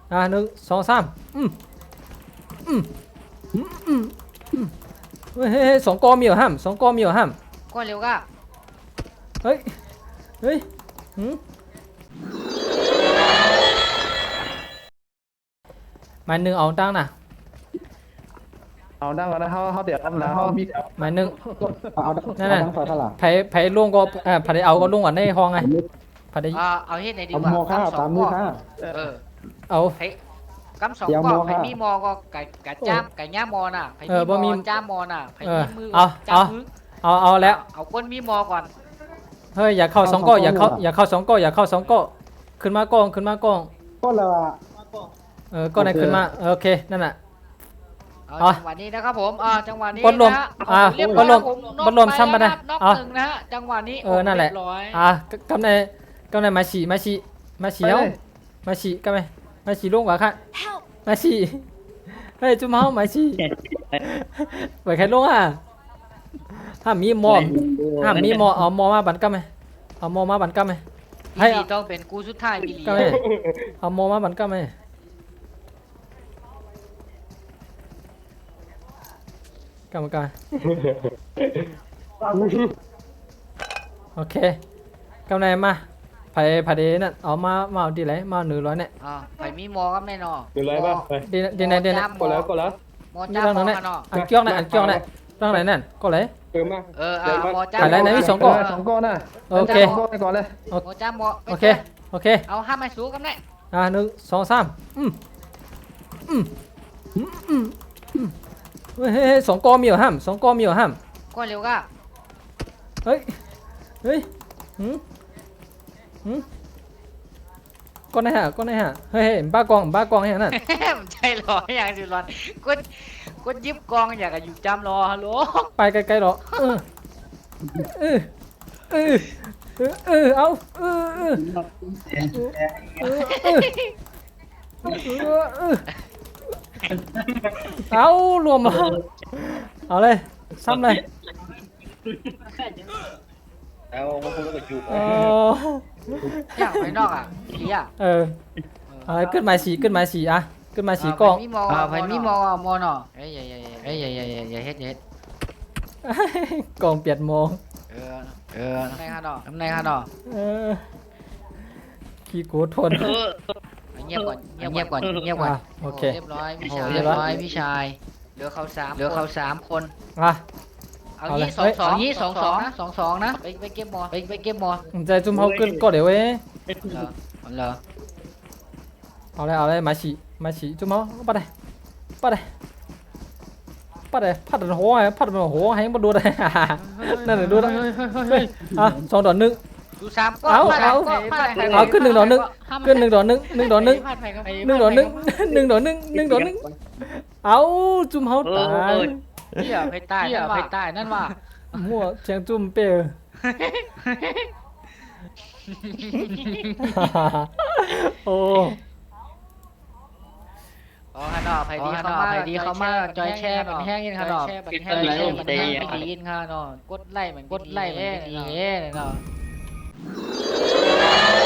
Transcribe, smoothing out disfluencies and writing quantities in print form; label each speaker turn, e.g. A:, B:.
A: หนึ่งสองสามอืมอืมอืมอืมอืมเฮ้ยสองกอมีเหรอห้ามสองกอมีเหรอห้าม
B: ก้อนเร็วก็
A: เฮ้ยเฮ้ยหืมหมายหนึ่งเอาตั้งนะ
C: เอาดังก่อนนะเขาเดี๋ยวทำนะเขามี
A: หมายหนึ่ง
D: เอา
A: นั่นน่ะ
D: ดังไฟเท่าไหร่
A: ไผ่ล่วงก็ไผ่ได้เอาก็ล่วงก่อนในห้องไงไผ่ได้
B: เอาเฮ็ดไหนดี
D: เอา
B: กว่า
D: โมค่าก
B: ำสอ
D: ตาง ม
B: ก้
D: มือ
B: อน
D: ค่า
B: เออ
A: เอา
B: ไผ่กำสอง
D: เดี๋ยว
B: ก้อน
D: โม
B: ไผ่
D: ค่ะ
B: มีมอก็ไก่จ้ามไก่ย่ามอน่ะไผ่
A: บ่มี
B: มีมอจ้ามอน่ะไผ่
A: เอ
B: มี
A: อ
B: มือ
A: เอา
B: จ้ามมือ
A: เอาแล้ว
B: เอาก้นมีมอก่อน
A: เฮ้ยอย่าเข้าสองก้ออย่าเข้าสองก้ออย่าเข้าสองก้อขึ้นมากล้องขึ้นมากล้อง
D: ก็เลยว่า
A: ก้อนไหนขึ้นมาโอเคนั่นน่ะ
B: เอาจังหวะนี้นะครับผมจังหวะนี้
A: บอลรวม
B: นะ
A: บอลรวม
B: เยบร้อยค
A: บอลรวมซ้ำมาได้
B: น็อก
A: เอา
B: หนึ่งนะฮะจังหวะนี้
A: นั่นแหละ
B: เรียบร้อย
A: กำในมาฉีเอามาฉีกำไนมาฉีลงกว่าค่ะมาฉีเฮ้ยจุ๊มเฮามาฉีไปใครลงห้ามมีมอเอามอมาบันกำไนเอามอมาบันกำไนให้
B: พี่ต้องเป็นกูสุดท้ายพี่ลี
A: กำไนเอามอมาบันกำไนกรรมการโอเคกำไนมาไผ่เดนั่นเอามาเอาดีไรมา100เนี่ย
B: ไผ่มีมอก็แน่นอน
C: เดี๋ยวไรบ้างไป
A: ดีไหน
C: กดแล้ว
B: มอจ้าม
A: ตรง
B: ม
A: ไหน
B: อเนาะ
A: อันเกี้ยวไหนตั้งไหนนั่นก็เลย
C: มา
B: มอจ้าม
A: อะไรนะมีสองก้อน
C: สองก้อนน่ะ
A: โอเค
C: สองก้อนไปก่อนเลย
B: มอจ้ามมอ
A: โอเค
B: เอาห้ามไม่สู้กันได้
A: หนึ่งสองสามเฮ้ยสองกอมีเหรอห้ามสองกอมีเหรอห้าม
B: ก้อนเร็วก็
A: เฮ้ยก้อนไหนเฮ้ยบ้ากองให้นั่น
B: มันใจร้อนอย่างสิร้อนกดยิบกองอยากจะอยู่จำรอฮัลโหล
A: ไปไกลๆหรอเอาเอารวมแล้วเอาเลยซ้ำเลย
C: เอามาพูดกับจู
B: อยากไปนอกพี่
A: อะไรขึ้นมาสีขึ้นมาสีกล้อง
B: มีมอไผ่มีมอมอเนาะอย่าเฮ็ด
A: กล้องเปลี่ยนโมง
B: ในฮะเนาะ
A: ขี้กูทน
B: เงียบก่อน
A: โอเค
B: เรียบร้อยพี่ชายเรียบร้อยพี่ชายเหลือเขา3คนเอางี้2-2นะไปเก็บมอไปเก็บมอ
A: ใจจุ่มเขาขึ้นก็เดี๋ยวเว้ย
B: เหรอ
A: เอาเลยมาฉีจุ่มเขาปัดเลยพัดหัวให้มาดูได้นั่นเลยดูได้2-1
B: ดู3ก็
A: เอาขึ้น1-1เอาจุ่มเขาตาย
B: พี่ไปใต้นั่นว่า
A: มั่วเชียงจุ่มเปย์โอ้
B: ฮะเนาะไผดีเข้ามาจอยแช่เป็นแห้งยินค่ะเนาะเป็นแห้งดียินค่ะเนาะกดไล่เหมือนดีเนาะ